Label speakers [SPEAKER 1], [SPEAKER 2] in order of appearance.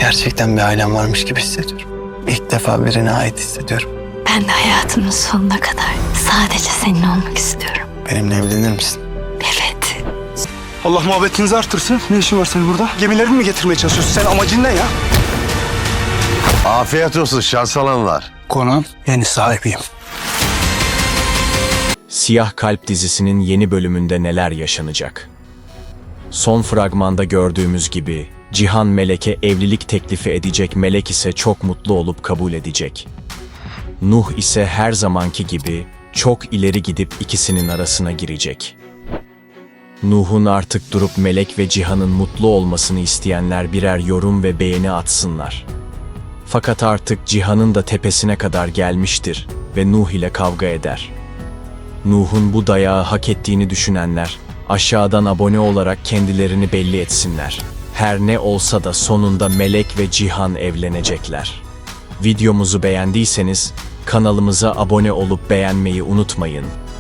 [SPEAKER 1] Gerçekten bir ailem varmış gibi hissediyorum. İlk defa birine ait hissediyorum.
[SPEAKER 2] Ben de hayatımın sonuna kadar sadece senin olmak istiyorum.
[SPEAKER 1] Benimle evlenir misin?
[SPEAKER 2] Evet.
[SPEAKER 3] Allah muhabbetinizi artırsın. Ne işin var senin burada? Gemilerini mi getirmeye çalışıyorsun? Sen amacın ne ya?
[SPEAKER 4] Afiyet olsun şans alanlar.
[SPEAKER 3] Konağın yeni sahibiyim.
[SPEAKER 5] Siyah Kalp dizisinin yeni bölümünde neler yaşanacak? Son fragmanda gördüğümüz gibi Cihan Melek'e evlilik teklifi edecek, Melek ise çok mutlu olup kabul edecek. Nuh ise her zamanki gibi çok ileri gidip ikisinin arasına girecek. Nuh'un artık durup Melek ve Cihan'ın mutlu olmasını isteyenler birer yorum ve beğeni atsınlar. Fakat artık Cihan'ın da tepesine kadar gelmiştir ve Nuh ile kavga eder. Nuh'un bu dayağı hak ettiğini düşünenler aşağıdan abone olarak kendilerini belli etsinler. Her ne olsa da sonunda Melek ve Cihan evlenecekler. Videomuzu beğendiyseniz kanalımıza abone olup beğenmeyi unutmayın.